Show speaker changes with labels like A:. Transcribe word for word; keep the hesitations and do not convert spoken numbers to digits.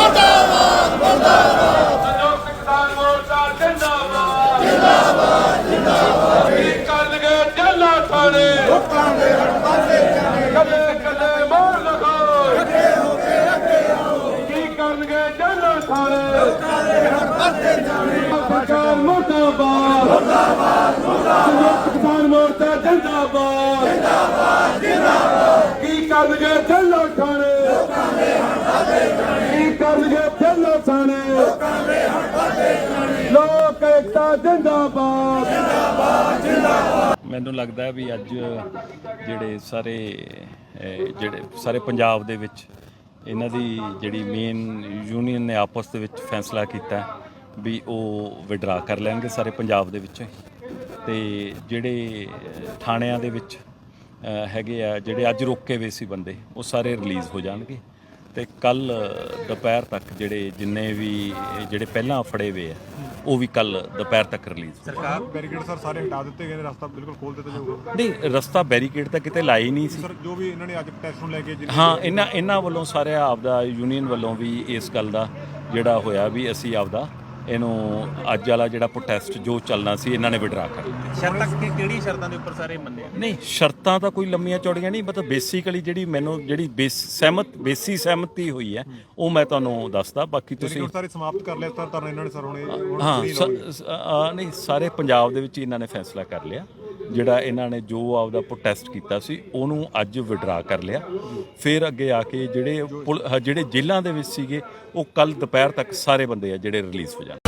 A: ਮੁਰਦਾਬਾਦ ਮੁਰਦਾਬਾਦ
B: ਸੰਯੁਕਤ ਕਿਸਾਨ ਮੋਰਚਾ ਜਿੰਦਾਬਾਦ ਜਿੰਦਾਬਾਦ ਜਿੰਦਾਬਾਦ ਕੀ ਕਰਨਗੇ ਜੱਲਾ ਥਾਣੇ
A: ਲੋਕਾਂ ਦੇ ਹੜਤਾਲੇ ਜਾਣੇ
B: ਕਦੇ ਕਦੇ ਮੋਰ ਲਗਾਓ
A: ਇਕੱਠੇ ਹੋ ਕੇ ਅੱਗੇ ਆਓ
B: ਕੀ ਕਰਨਗੇ ਜੱਲਾ ਥਾਣੇ
A: ਲੋਕਾਂ ਦੇ ਹੜਤਾਲੇ ਜਾਣੇ
B: ਸਰਕਾਰ ਮੁਰਦਾਬਾਦ ਮੁਰਦਾਬਾਦ ਸੰਯੁਕਤ ਕਿਸਾਨ ਮੋਰਚਾ ਜਿੰਦਾਬਾਦ ਜਿੰਦਾਬਾਦ ਜਿੰਦਾਬਾਦ ਕੀ ਕਰਨਗੇ ਜੱਲਾ ਥਾਣੇ
A: ਲੋਕਾਂ ਦੇ ਹੜਤਾਲੇ ਜਾਣੇ
B: ਕੀ ਕਰਨਗੇ ਜੱਲਾ ਥਾਣੇ
A: ਲੋਕਾਂ ਦੇ ਹੜਤਾਲੇ ਜਾਣੇ
B: ਲੋਕ ਏਕਤਾ ਜਿੰਦਾਬਾਦ
A: ਜਿੰਦਾਬਾਦ ਜਿੰਦਾਬਾਦ
C: ਮੈਨੂੰ ਲੱਗਦਾ ਵੀ ਅੱਜ ਜਿਹੜੇ ਸਾਰੇ ਅਹ, ਜਿਹੜੇ ਸਾਰੇ ਪੰਜਾਬ ਦੇ ਵਿੱਚ ਇਹਨਾਂ ਦੀ ਜਿਹੜੀ ਮੇਨ ਯੂਨੀਅਨ ਨੇ ਆਪਸ ਦੇ ਵਿੱਚ ਫੈਸਲਾ ਕੀਤਾ ਵੀ ਉਹ ਵਿਡਰਾ ਕਰ ਲੈਣਗੇ ਸਾਰੇ ਪੰਜਾਬ ਦੇ ਵਿੱਚ। ਤੇ ਜਿਹੜੇ ਥਾਣਿਆਂ ਦੇ ਵਿੱਚ ਅਹ, ਹੈਗੇ ਆ ਜਿਹੜੇ ਅੱਜ ਰੋਕੇ ਹੋਏ ਸੀ ਬੰਦੇ ਉਹ ਸਾਰੇ ਰਿਲੀਜ਼ ਹੋ ਜਾਣਗੇ। ਤੇ ਕੱਲ ਦੁਪਹਿਰ ਤੱਕ ਜਿਹੜੇ ਜਿੰਨੇ ਵੀ ਜਿਹੜੇ ਪਹਿਲਾਂ ਫੜੇ ਹੋਏ ਆ ਉਹ ਵੀ ਕੱਲ ਦੁਪਹਿਰ ਤੱਕ ਰਿਲੀਜ਼।
D: ਸਰਕਾਰ ਬੈਰੀਕੇਡ ਸਰ ਸਾਰੇ ਹਟਾ ਦਿੱਤੇ ਗਏ ਨੇ, ਰਸਤਾ ਬਿਲਕੁਲ ਖੋਲ ਦਿੱਤਾ ਜਾਊਗਾ।
C: ਨਹੀਂ, ਰਸਤਾ ਬੈਰੀਕੇਡ ਤਾਂ ਕਿਤੇ ਲਾਈ ਨਹੀਂ ਸੀ
D: ਸਰ ਜੋ ਵੀ ਇਹਨਾਂ ਨੇ ਅੱਜ ਪ੍ਰੋਟੈਸਟ ਨੂੰ ਲੈ ਕੇ ਜਿੰਨੇ
C: ਹਾਂ। ਇਹਨਾਂ ਇਹਨਾਂ ਵੱਲੋਂ ਸਾਰੇ ਆਪਦਾ ਯੂਨੀਅਨ ਵੱਲੋਂ ਵੀ ਇਸ ਗੱਲ ਦਾ ਜਿਹੜਾ ਹੋਇਆ ਵੀ ਅਸੀਂ ਆਪਦਾ ਇਹਨੂੰ ਅੱਜ ਵਾਲਾ ਜਿਹੜਾ ਪ੍ਰੋਟੈਸਟ ਜੋ ਚੱਲਣਾ ਸੀ ਇਹਨਾਂ ਨੇ ਵਿਡਰਾ ਕਰ ਲਿਆ।
E: ਸ਼ਰਤਾਂ ਕਿ ਕਿਹੜੀ ਸ਼ਰਤਾਂ ਦੇ ਉੱਪਰ ਸਾਰੇ ਮੰਨਿਆ?
C: ਨਹੀਂ, ਸ਼ਰਤਾਂ ਤਾਂ ਕੋਈ ਲੰਮੀਆਂ ਚੌੜੀਆਂ ਨਹੀਂ, ਮਤਲਬ ਬੇਸਿਕਲੀ ਜਿਹੜੀ ਮੈਨੂੰ ਜਿਹੜੀ ਬੇਸ ਸਹਿਮਤ ਬੇਸੀ ਸਹਿਮਤੀ ਹੋਈ ਹੈ ਉਹ ਮੈਂ ਤੁਹਾਨੂੰ ਦੱਸਦਾ। ਬਾਕੀ ਤੁਸੀਂ
D: ਬੈਰੀਕੇਡ ਸਾਰੇ ਸਮਾਪਤ ਕਰ ਲਿਆ ਸਰ ਧਰਨਾ ਇਹਨਾਂ ਨੇ ਸਰ ਹੁਣੇ ਹੁਣ
C: ਹਾਂ
D: free
C: ਸ-
D: ਰਹੋਗੇ।
C: ਸ- ਆ, ਨਹੀਂ, ਸਾਰੇ ਪੰਜਾਬ ਦੇ ਵਿੱਚ ਹੀ ਇਹਨਾਂ ਨੇ ਫੈਸਲਾ ਕਰ ਲਿਆ। ਜਿਹੜਾ ਇਹਨਾਂ ਨੇ ਜੋ ਆਪਦਾ ਪ੍ਰੋਟੈਸਟ ਕੀਤਾ ਸੀ ਉਹਨੂੰ ਅੱਜ ਵਿਡਰਾ ਕਰ ਲਿਆ। ਫਿਰ ਅੱਗੇ ਆ ਕੇ ਜਿਹੜੇ ਪੁਲ- ਜਿਹੜੇ ਜੇਲ੍ਹਾਂ ਦੇ ਵਿੱਚ ਸੀਗੇ ਉਹ ਕੱਲ ਦੁਪਹਿਰ ਤੱਕ ਸਾਰੇ ਬੰਦੇ ਆ ਜਿਹੜੇ ਰਿਲੀਜ਼ ਹੋ ਜਾਣ।